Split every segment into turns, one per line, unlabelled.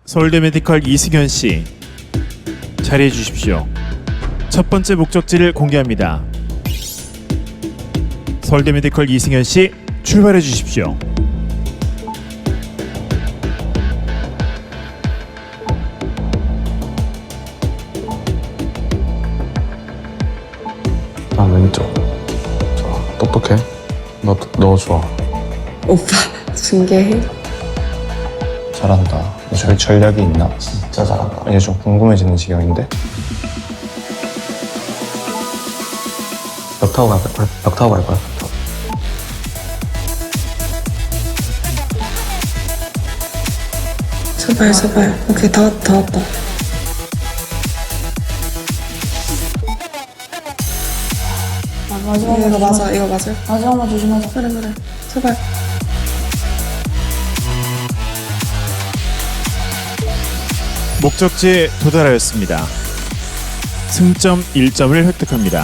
서울대 메디컬 이승현 씨, 자리해 주십시오. 첫 번째 목적지를 공개합니다. 서울대 메디컬 이승현 씨, 출발해 주십시오.
나 왼쪽. 좋아. 똑똑해. 너 좋아.
오빠 중계해?
잘한다. 너 전략이 있나?
진짜 잘한다.
이제 좀 궁금해지는 지경인데?
벽 타고 갈 거야. 벽 타고 갈 거야.
제발 제발. 오케이 다 왔다 다 왔다. 이거 맞아 이거 맞아.
마지막만 조심하자.
그래 그래. 제발.
목적지에 도달하였습니다. 승점 1점을 획득합니다.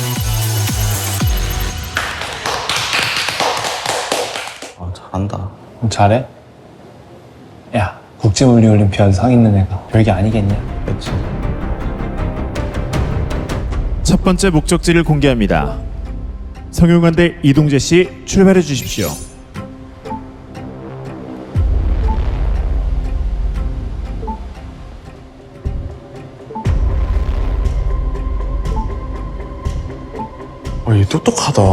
잘한다.
잘해? 야, 국제물리올림피아드 상 있는 애가 별게 아니겠냐?
그렇지.
첫 번째 목적지를 공개합니다. 성균관대 이동재 씨, 출발해 주십시오.
얘 똑똑하다.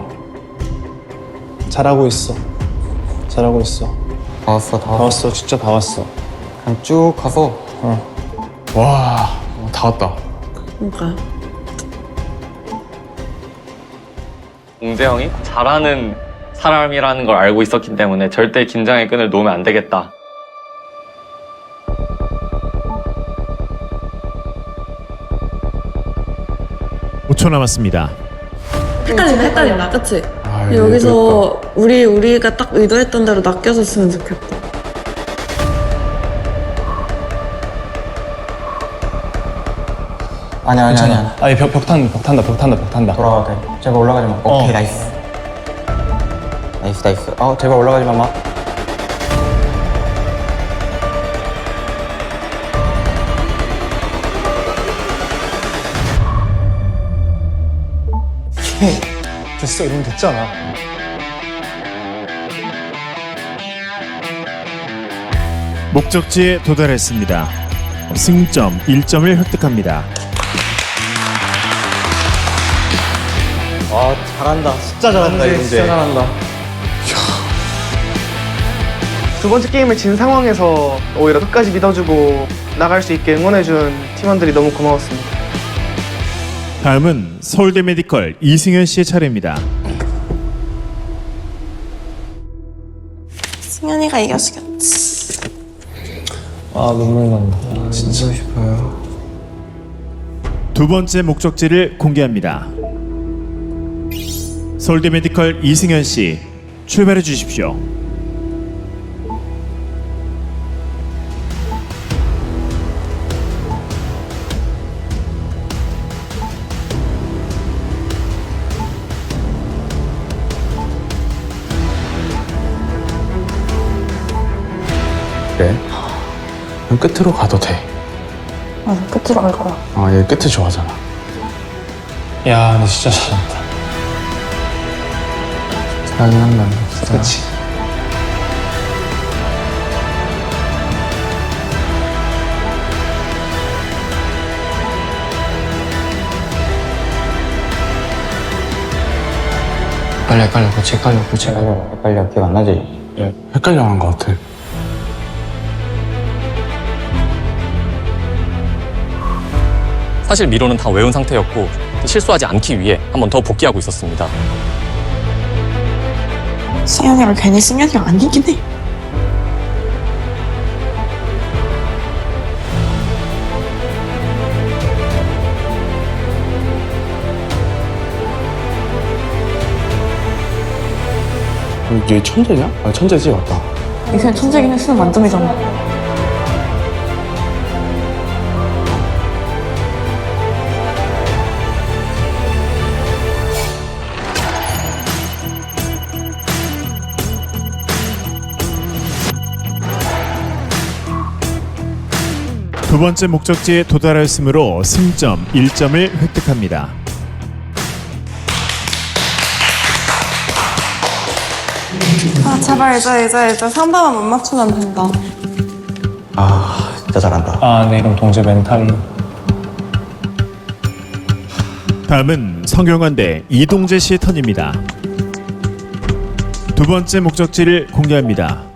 잘하고 있어. 잘하고 있어.
다 왔어, 다
다
왔어.
왔어. 진짜 다 왔어.
그냥 쭉 가서. 와, 다 왔다.
그러니까.
공재형이 잘하는 사람이라는 걸 알고 있었기 때문에 절대 긴장의 끈을 놓으면 안 되겠다.
오 초 남았습니다.
헷갈린다 그치?
아,
여기서 우리가 딱 의도했던 대로 낚여줬으면 좋겠다.
아니야.
아니, 벽 탄다.
돌아가도 돼. 제발 올라가지 마. 오케이, 나이스. 나이스. 제발 올라가지 마.
됐어. 이러면 됐잖아.
목적지에 도달했습니다. 승점 1점을 획득합니다.
잘한다. 진짜 잘한다, 이제. 진짜 잘한다.
두 번째 게임을 진 상황에서 오히려 끝까지 믿어주고 나갈 수 있게 응원해준 팀원들이 너무 고마웠습니다.
다음은 서울대 메디컬 이승현 씨의 차례입니다.
승현이가 이겨주겠지.
아, 눈물 난다.
진짜 싶어요.
두 번째 목적지를 공개합니다. 서울대 메디컬 이승현 씨, 출발해 주십시오.
그래? 그냥 끝으로 가도 돼.
맞아, 끝으로 갈 거야.
얘 끝을 좋아하잖아.
야, 근데 진짜 잘한다.
잘하긴 한다. 진짜.
그치. 헷갈려. 그치,
헷갈려. 기억 안 나지? 헷갈려 하는 것 같아.
사실 미로는 다 외운 상태였고 실수하지 않기 위해 한 번 더 복귀하고 있었습니다.
승현이가 괜히 승현이가 아니긴 해.
얘 천재냐? 천재지, 맞다.
이승현 천재긴 해. 수능 만점이잖아.
두 번째 목적지에 도달하였으므로 승점 1점을 획득합니다.
아 제발 이제 상담만 못 맞추면 된다.
아 진짜 잘한다.
아, 네, 그럼 동재 멘탈로.
다음은 성균관대 이동재 씨의 턴입니다. 두 번째 목적지를 공개합니다.